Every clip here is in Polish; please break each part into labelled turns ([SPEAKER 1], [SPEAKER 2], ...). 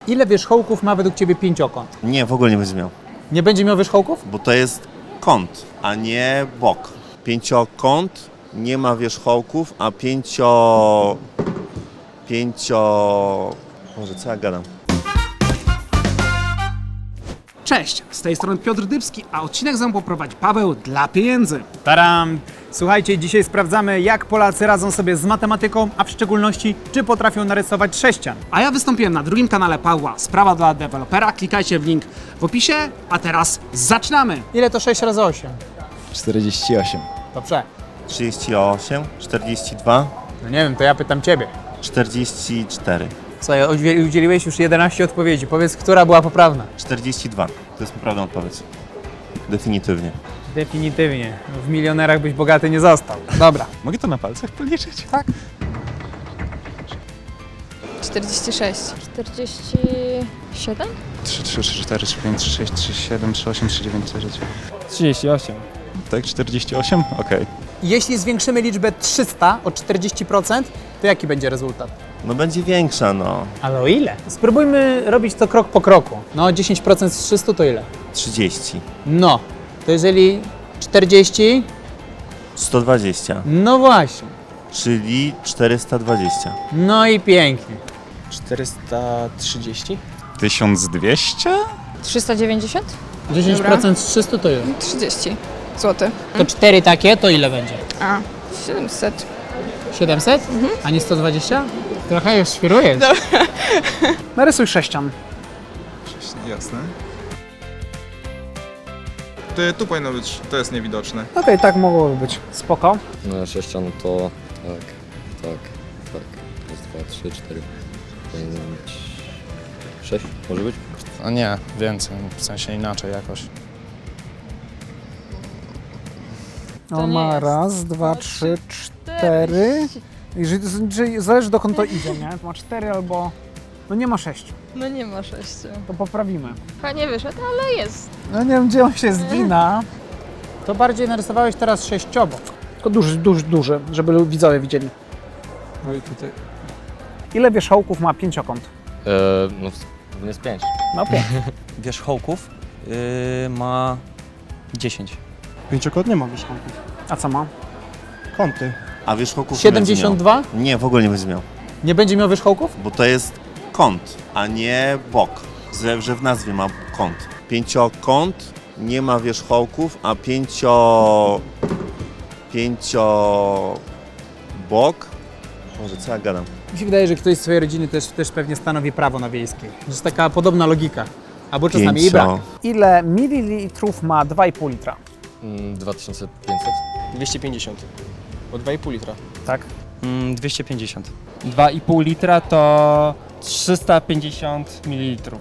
[SPEAKER 1] Ile wierzchołków ma według Ciebie pięciokąt?
[SPEAKER 2] Nie, w ogóle nie będzie miał,
[SPEAKER 1] Nie będzie miał wierzchołków?
[SPEAKER 2] bo to jest kąt, a nie bok. Pięciokąt nie ma wierzchołków, a Boże, co ja gadam?
[SPEAKER 3] Cześć, z tej strony Piotr Dybski, a odcinek za mną poprowadzi Paweł dla pieniędzy.
[SPEAKER 1] Taram! Słuchajcie, dzisiaj sprawdzamy, jak Polacy radzą sobie z matematyką, a w szczególności, czy potrafią narysować sześcian.
[SPEAKER 3] A ja wystąpiłem na drugim kanale Pawła, Sprawa dla dewelopera, klikajcie w link w opisie, a teraz zaczynamy!
[SPEAKER 1] Ile to 6 razy 8?
[SPEAKER 4] 48.
[SPEAKER 1] Dobrze.
[SPEAKER 2] 38, 42,
[SPEAKER 1] No nie wiem, to ja pytam Ciebie.
[SPEAKER 2] 44.
[SPEAKER 1] Słuchaj, udzieliłeś już 11 odpowiedzi. Powiedz, która była poprawna?
[SPEAKER 2] 42. To jest poprawna odpowiedź. Definitywnie.
[SPEAKER 1] Definitywnie. W milionerach byś bogaty nie został. Dobra.
[SPEAKER 4] Mogę to na palcach policzyć?
[SPEAKER 1] Tak.
[SPEAKER 5] 46. 47?
[SPEAKER 4] 3, 3, 3, 4, 3, 5, 3, 6, 3, 7, 3, 8, 3, 9, 3, 10.
[SPEAKER 1] 38.
[SPEAKER 4] Tak, 48? Okej.
[SPEAKER 1] Jeśli zwiększymy liczbę 300 o 40%, to jaki będzie rezultat?
[SPEAKER 2] No będzie większa, no.
[SPEAKER 1] Ale o ile? Spróbujmy robić to krok po kroku. No, 10% z 300 to ile?
[SPEAKER 2] 30.
[SPEAKER 1] No, to jeżeli 40,
[SPEAKER 2] 120.
[SPEAKER 1] no właśnie.
[SPEAKER 2] Czyli 420.
[SPEAKER 1] No i pięknie.
[SPEAKER 6] 430?
[SPEAKER 4] 1200?
[SPEAKER 5] 390?
[SPEAKER 1] 10% z 300 to ile?
[SPEAKER 5] 30 zł.
[SPEAKER 1] To 4 takie, to ile będzie?
[SPEAKER 5] A, 700.
[SPEAKER 1] 700? A nie 120? Trochę już świrujesz.
[SPEAKER 3] Narysuj sześcian.
[SPEAKER 7] Jasne. Tu powinno być, to jest niewidoczne.
[SPEAKER 3] Okej, tak mogłoby być. Spoko.
[SPEAKER 8] No sześcian to tak. Raz, dwa, trzy, cztery, pięć, 6 może być?
[SPEAKER 6] A nie, więcej, w sensie inaczej jakoś.
[SPEAKER 3] No ma raz, dwa, trzy, cztery. Jeżeli zależy dokąd to idzie, nie? To ma 4 albo... No nie ma 6.
[SPEAKER 5] No nie ma 6.
[SPEAKER 3] To poprawimy.
[SPEAKER 5] Chyba nie wyszedł, ale jest.
[SPEAKER 3] No nie wiem, gdzie on się zgina.
[SPEAKER 1] To bardziej narysowałeś teraz sześciobok.
[SPEAKER 3] Tylko duży, żeby widzowie widzieli.
[SPEAKER 6] No i tutaj.
[SPEAKER 3] Ile wierzchołków ma pięciokąt?
[SPEAKER 8] No to jest 5.
[SPEAKER 3] No 5.
[SPEAKER 9] Wierzchołków ma 10.
[SPEAKER 10] Pięciokąt nie ma wierzchołków.
[SPEAKER 3] A co ma?
[SPEAKER 10] Kąty.
[SPEAKER 2] A wierzchołków nie będzie miał.
[SPEAKER 1] 72?
[SPEAKER 2] Nie, w ogóle nie będzie miał.
[SPEAKER 1] Nie będzie miał wierzchołków?
[SPEAKER 2] Bo to jest kąt, a nie bok. Że w nazwie ma kąt. Pięciokąt nie ma wierzchołków, a bok. Może co ja gadam?
[SPEAKER 1] Mi się wydaje, że ktoś z swojej rodziny też pewnie stanowi prawo na wiejskiej. To jest taka podobna logika. Albo czasami jej brak.
[SPEAKER 3] Ile mililitrów ma 2,5 litra?
[SPEAKER 8] 2500.
[SPEAKER 6] 250. Bo 2,5 litra.
[SPEAKER 3] Tak.
[SPEAKER 9] 250. 2,5 litra to 350 ml.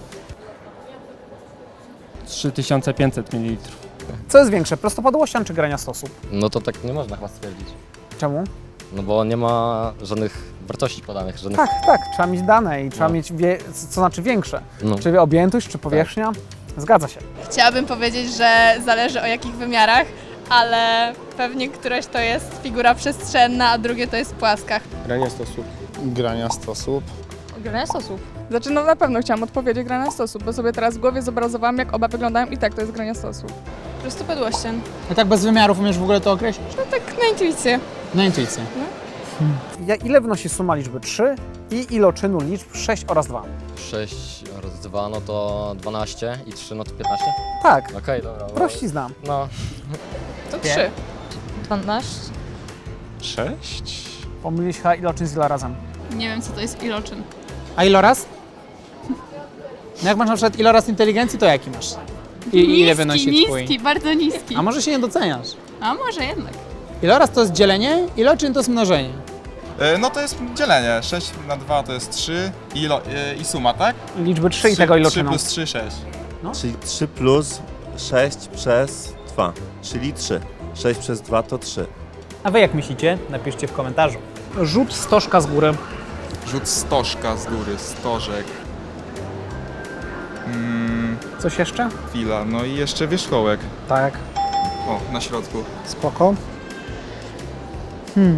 [SPEAKER 9] 3500 ml.
[SPEAKER 3] Co jest większe, prostopadłościan czy grania stosów?
[SPEAKER 8] No to tak nie można chyba stwierdzić.
[SPEAKER 3] Czemu?
[SPEAKER 8] No bo nie ma żadnych wartości podanych, żadnych...
[SPEAKER 3] Tak, trzeba mieć dane i trzeba
[SPEAKER 8] No.
[SPEAKER 3] mieć, co znaczy większe.
[SPEAKER 8] No.
[SPEAKER 3] Czy objętość, czy powierzchnia? Zgadza się.
[SPEAKER 5] Chciałabym powiedzieć, że zależy o jakich wymiarach, ale pewnie któreś to jest figura przestrzenna, a drugie to jest płaska.
[SPEAKER 6] Grania 100 stóp.
[SPEAKER 4] Grania 100 osób.
[SPEAKER 5] Grania stosów.
[SPEAKER 11] Znaczy, no na pewno chciałam odpowiedzieć grania stosów, bo sobie teraz w głowie zobrazowałam, jak oba wyglądają i tak to jest grania stosów.
[SPEAKER 5] Prostopadłościan.
[SPEAKER 1] A tak bez wymiarów umiesz w ogóle to określić?
[SPEAKER 5] No tak na intuicję.
[SPEAKER 1] Na intuicję.
[SPEAKER 3] Ile wynosi suma liczby 3 i iloczynu liczb 6 oraz 2?
[SPEAKER 8] 6 razy 2 no to 12 i 3 no to 15?
[SPEAKER 3] Tak,
[SPEAKER 8] Okej, dobra. bo-
[SPEAKER 3] prościzna.
[SPEAKER 8] No,
[SPEAKER 5] To 3. 12.
[SPEAKER 4] 6?
[SPEAKER 3] Pomylić chyba iloczyn z ilorazem.
[SPEAKER 5] Nie wiem, co to jest iloczyn.
[SPEAKER 1] A iloraz? No jak masz na przykład iloraz inteligencji, to jaki masz? I ile wynosi twój?
[SPEAKER 5] Bardzo niski.
[SPEAKER 1] A może się nie doceniasz?
[SPEAKER 5] A może jednak.
[SPEAKER 1] Iloraz to jest dzielenie, iloczyn to jest mnożenie.
[SPEAKER 7] No to jest dzielenie. 6 na 2 to jest 3 i suma, tak?
[SPEAKER 3] Liczby 3 i tego
[SPEAKER 7] 3
[SPEAKER 3] iloczynu.
[SPEAKER 7] plus 3, 6.
[SPEAKER 2] Czyli 3 plus 6 przez 2, czyli 3. 6 przez 2 to 3.
[SPEAKER 1] A wy jak myślicie? Napiszcie w komentarzu.
[SPEAKER 3] Rzut stożka z góry.
[SPEAKER 7] Rzut stożka z góry, stożek.
[SPEAKER 3] Coś jeszcze?
[SPEAKER 7] Chwila, no i jeszcze wierzchołek.
[SPEAKER 3] Tak,
[SPEAKER 7] O, na środku.
[SPEAKER 3] spoko.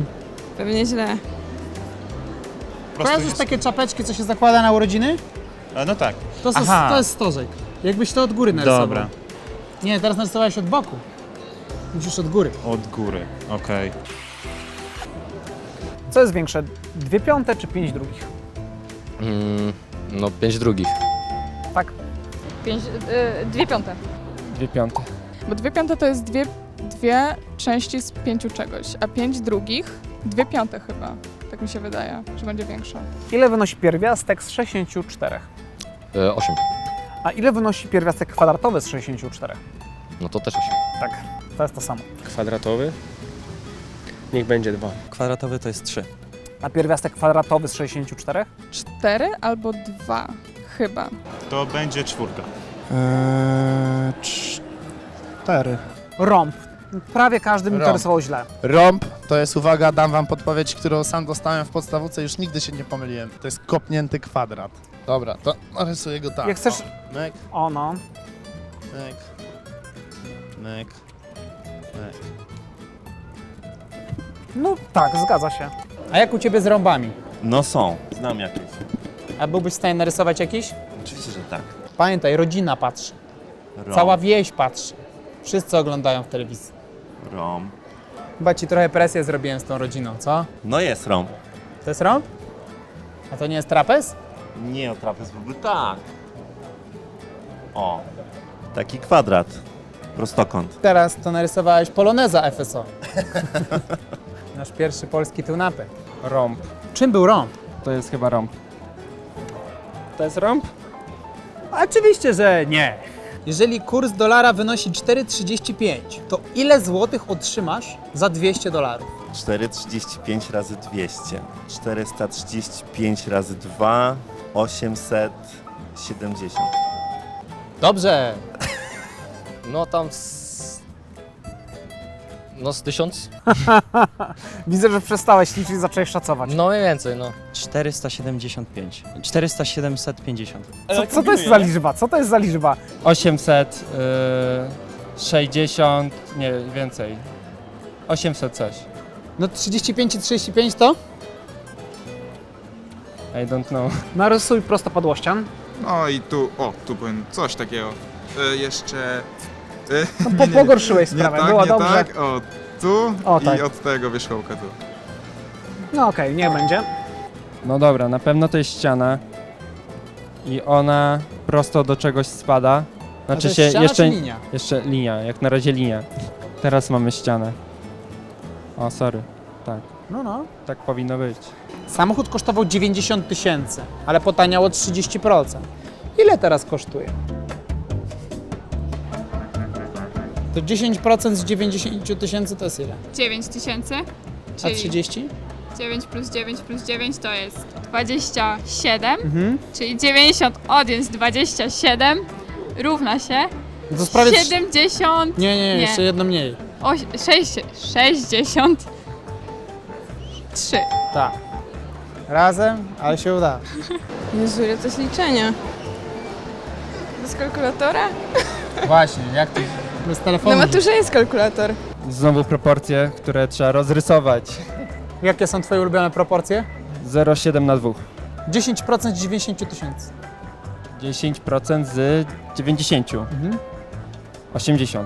[SPEAKER 5] Pewnie źle.
[SPEAKER 1] Kojarzysz takie czapeczki, co się zakłada na urodziny? No tak.
[SPEAKER 3] To jest stożek. Jakbyś to od góry narysował.
[SPEAKER 1] Dobra.
[SPEAKER 3] Nie, teraz narysowałeś od boku. Musisz od góry.
[SPEAKER 1] Od góry, okej.
[SPEAKER 3] Co jest większe? 2 piąte czy 5 drugich?
[SPEAKER 8] No 5 drugich.
[SPEAKER 3] Tak.
[SPEAKER 11] 2 piąte.
[SPEAKER 9] 2 piąte.
[SPEAKER 11] Bo 2 piąte to jest dwie części z 5 czegoś, a 5 drugich 2 piąte chyba. Tak mi się wydaje, że będzie większa.
[SPEAKER 3] Ile wynosi pierwiastek z 64?
[SPEAKER 8] 8.
[SPEAKER 3] A ile wynosi pierwiastek kwadratowy z 64?
[SPEAKER 8] No to też 8.
[SPEAKER 3] Tak, to jest to samo.
[SPEAKER 6] Kwadratowy? Niech będzie 2.
[SPEAKER 9] Kwadratowy to jest 3.
[SPEAKER 3] A pierwiastek kwadratowy z 64?
[SPEAKER 11] 4 albo 2 chyba.
[SPEAKER 1] To będzie 4.
[SPEAKER 10] 4.
[SPEAKER 3] Rąb. Prawie każdy mi to
[SPEAKER 12] Rąb.
[SPEAKER 3] rysował źle.
[SPEAKER 12] Rąb to jest, uwaga, dam wam podpowiedź, którą sam dostałem w podstawówce, już nigdy się nie pomyliłem. To jest kopnięty kwadrat. Dobra, to narysuję go tak.
[SPEAKER 3] Jak chcesz...
[SPEAKER 12] O, myk,
[SPEAKER 3] O no.
[SPEAKER 12] myk, myk, myk.
[SPEAKER 3] No tak, zgadza się.
[SPEAKER 1] A jak u Ciebie z rąbami?
[SPEAKER 2] No są, znam jakieś.
[SPEAKER 1] A byłbyś w stanie narysować jakiś?
[SPEAKER 2] Oczywiście, że tak.
[SPEAKER 1] Pamiętaj, rodzina patrzy.
[SPEAKER 2] Rąb,
[SPEAKER 1] Cała wieś patrzy. Wszyscy oglądają w telewizji.
[SPEAKER 2] rąb.
[SPEAKER 1] Chyba Ci trochę presję zrobiłem z tą rodziną, co?
[SPEAKER 2] No jest rąb.
[SPEAKER 1] To jest rąb? A to nie jest trapez?
[SPEAKER 2] Nie, o trapez byłby tak. O, taki kwadrat. Prostokąt.
[SPEAKER 1] Teraz to narysowałeś poloneza FSO. Nasz pierwszy polski tunapy.
[SPEAKER 9] Rąb.
[SPEAKER 1] Czym był rąb?
[SPEAKER 9] To jest chyba rąb. To jest rąb?
[SPEAKER 1] Oczywiście, że nie. Jeżeli kurs dolara wynosi 4,35, to ile złotych otrzymasz za 200 dolarów?
[SPEAKER 2] 4,35 razy 200. 435 razy 2, 870.
[SPEAKER 1] Dobrze.
[SPEAKER 8] No tam no z 1000?
[SPEAKER 3] Widzę, że przestałeś liczyć i zacząłeś szacować.
[SPEAKER 8] No mniej więcej, no.
[SPEAKER 9] 475. 750.
[SPEAKER 3] Co to jest za liczba? Co to jest za liczba?
[SPEAKER 9] 860, nie, więcej. 800 coś.
[SPEAKER 1] No 35 i 35 to?
[SPEAKER 9] I don't know.
[SPEAKER 3] Narysuj prostopadłościan.
[SPEAKER 7] No i tu, tu powiem coś takiego. Jeszcze...
[SPEAKER 3] Pogorszyłeś sprawę,
[SPEAKER 7] tak,
[SPEAKER 3] było
[SPEAKER 7] nie
[SPEAKER 3] dobrze.
[SPEAKER 7] tak, tu
[SPEAKER 3] O,
[SPEAKER 7] i
[SPEAKER 3] tak.
[SPEAKER 7] od tego wierzchołka tu.
[SPEAKER 3] No okej, niech będzie.
[SPEAKER 9] No dobra, na pewno to jest ściana. I ona prosto do czegoś spada.
[SPEAKER 1] A to
[SPEAKER 9] Znaczy
[SPEAKER 1] jest
[SPEAKER 9] się
[SPEAKER 1] ściana
[SPEAKER 9] jeszcze,
[SPEAKER 1] czy linia?
[SPEAKER 9] jeszcze linia, jak na razie linia. Teraz mamy ścianę. O, sorry. Tak,
[SPEAKER 3] No.
[SPEAKER 9] tak powinno być.
[SPEAKER 1] Samochód kosztował 90 000, ale potaniało 30%. Ile teraz kosztuje? To 10% z 90 000 to jest ile?
[SPEAKER 5] 9 tysięcy,
[SPEAKER 1] A 30?
[SPEAKER 5] 9 plus 9 plus 9 to jest 27,
[SPEAKER 1] Mhm.
[SPEAKER 5] czyli 90 odjąć 27 równa się
[SPEAKER 1] No to sprawie
[SPEAKER 5] 70,
[SPEAKER 1] Nie, jeszcze jedno mniej.
[SPEAKER 5] 63.
[SPEAKER 1] Tak. Razem, ale się uda.
[SPEAKER 11] Jezu, ile to jest liczenia. Bez kalkulatora?
[SPEAKER 1] Właśnie, jak to bez telefonu?
[SPEAKER 11] Na maturze jest kalkulator.
[SPEAKER 9] Znowu proporcje, które trzeba rozrysować.
[SPEAKER 1] Jakie są Twoje ulubione proporcje?
[SPEAKER 9] 0,7 na 2.
[SPEAKER 1] 10% z 90 000.
[SPEAKER 9] 10% z 90. 80.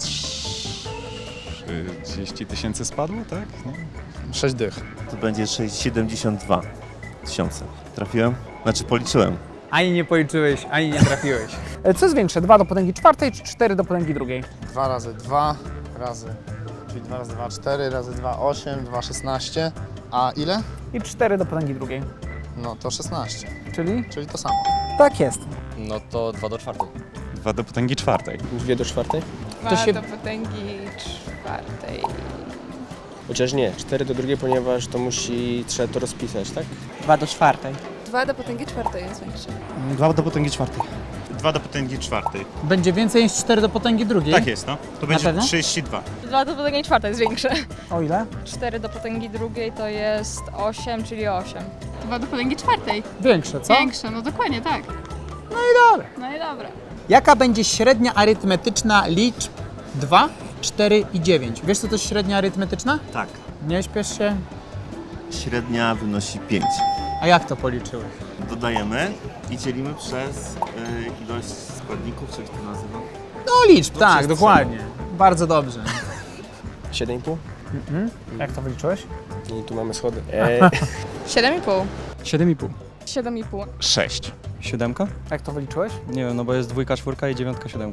[SPEAKER 4] 30 000 spadło, tak? No.
[SPEAKER 12] 6 dych.
[SPEAKER 2] To będzie 672 tysiące. Trafiłem? Znaczy policzyłem.
[SPEAKER 1] Ani nie policzyłeś, ani nie trafiłeś.
[SPEAKER 3] Co jest większe? 2 do potęgi czwartej czy 4 do potęgi drugiej?
[SPEAKER 12] 2 razy 2 razy, czyli 2 razy 2, 4 razy 2, 8, 2, 16. A ile?
[SPEAKER 3] I 4 do potęgi drugiej.
[SPEAKER 12] No to 16,
[SPEAKER 3] Czyli
[SPEAKER 12] czyli to samo.
[SPEAKER 3] tak jest.
[SPEAKER 8] No to 2 do 4.
[SPEAKER 4] 2 do potęgi 4.
[SPEAKER 6] 2 do 4?
[SPEAKER 5] 2
[SPEAKER 1] się-
[SPEAKER 5] do potęgi 4.
[SPEAKER 6] Chociaż nie, 4 do 2, ponieważ to trzeba to rozpisać, tak?
[SPEAKER 1] 2 do 4.
[SPEAKER 11] 2 do potęgi czwartej jest większe.
[SPEAKER 10] 2 do potęgi czwartej.
[SPEAKER 7] 2 do potęgi 4.
[SPEAKER 1] Będzie więcej niż 4 do potęgi drugiej?
[SPEAKER 7] Tak jest, no. To będzie
[SPEAKER 1] pewno?
[SPEAKER 7] 32.
[SPEAKER 11] 2 do potęgi czwartej jest większe.
[SPEAKER 3] O ile?
[SPEAKER 11] 4 do potęgi drugiej to jest 8, czyli 8.
[SPEAKER 5] 2 do potęgi 4.
[SPEAKER 1] Większe, co?
[SPEAKER 5] Większe, no dokładnie tak.
[SPEAKER 1] No i dobra.
[SPEAKER 5] No i dobra.
[SPEAKER 1] Jaka będzie średnia arytmetyczna liczb 2, 4 i 9? Wiesz, co to jest średnia arytmetyczna?
[SPEAKER 2] Tak.
[SPEAKER 1] Nie śpiesz się.
[SPEAKER 2] Średnia wynosi 5.
[SPEAKER 1] A jak to policzyłeś?
[SPEAKER 2] dodajemy i dzielimy przez ilość składników, czy jak to nazywa?
[SPEAKER 1] No liczb, tak,
[SPEAKER 2] przestrzeni.
[SPEAKER 1] dokładnie. Bardzo dobrze.
[SPEAKER 6] 7,5
[SPEAKER 3] Jak to wyliczyłeś?
[SPEAKER 6] i tu mamy schody.
[SPEAKER 5] 7,5.
[SPEAKER 10] 7,5.
[SPEAKER 11] 7,5.
[SPEAKER 4] 6.
[SPEAKER 10] 7?
[SPEAKER 3] Jak to wyliczyłeś?
[SPEAKER 10] Nie wiem, no bo jest 2, 4 i 9, 7.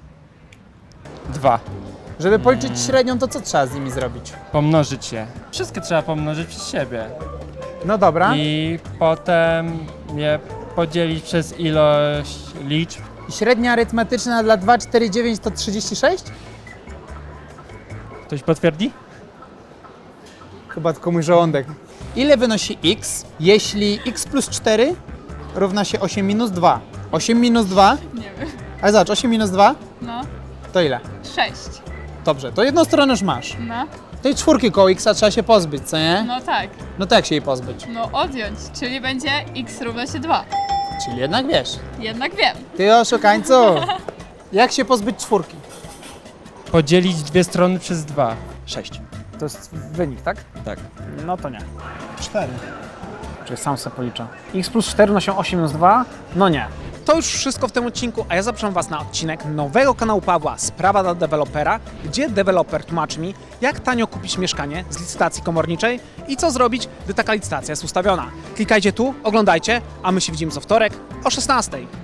[SPEAKER 9] 2.
[SPEAKER 1] Żeby policzyć średnią, to co trzeba z nimi zrobić?
[SPEAKER 9] Pomnożyć je. Wszystkie trzeba pomnożyć przez siebie.
[SPEAKER 1] No dobra.
[SPEAKER 9] I potem je podzielić przez ilość liczb.
[SPEAKER 1] I średnia arytmetyczna dla 2, 4, 9 to 36?
[SPEAKER 9] Ktoś potwierdzi?
[SPEAKER 1] Chyba tylko mój żołądek. Ile wynosi x, jeśli x plus 4 równa się 8 minus 2? 8 minus 2?
[SPEAKER 5] Nie wiem.
[SPEAKER 1] Ale zobacz, 8 minus 2
[SPEAKER 5] No,
[SPEAKER 1] to ile?
[SPEAKER 5] 6.
[SPEAKER 1] Dobrze, to jedną stronę już masz.
[SPEAKER 5] No,
[SPEAKER 1] Tej czwórki koło x trzeba się pozbyć, co nie?
[SPEAKER 5] no tak.
[SPEAKER 1] No to jak się jej pozbyć?
[SPEAKER 5] No odjąć, czyli będzie x równa się 2.
[SPEAKER 1] Czyli jednak wiesz.
[SPEAKER 5] Jednak wiem.
[SPEAKER 1] Ty oszukańcu! Jak się pozbyć czwórki?
[SPEAKER 9] Podzielić dwie strony przez 2.
[SPEAKER 10] 6.
[SPEAKER 3] To jest wynik, tak?
[SPEAKER 10] Tak.
[SPEAKER 3] No to nie. 4. Czyli sam sobie policzę. X plus 4 nosi 8 minus 2? No nie. To już wszystko w tym odcinku, a ja zapraszam Was na odcinek nowego kanału Pawła Sprawa dla dewelopera, gdzie deweloper tłumaczy mi, jak tanio kupić mieszkanie z licytacji komorniczej i co zrobić, gdy taka licytacja jest ustawiona. Klikajcie tu, oglądajcie, a my się widzimy co wtorek o 16:00.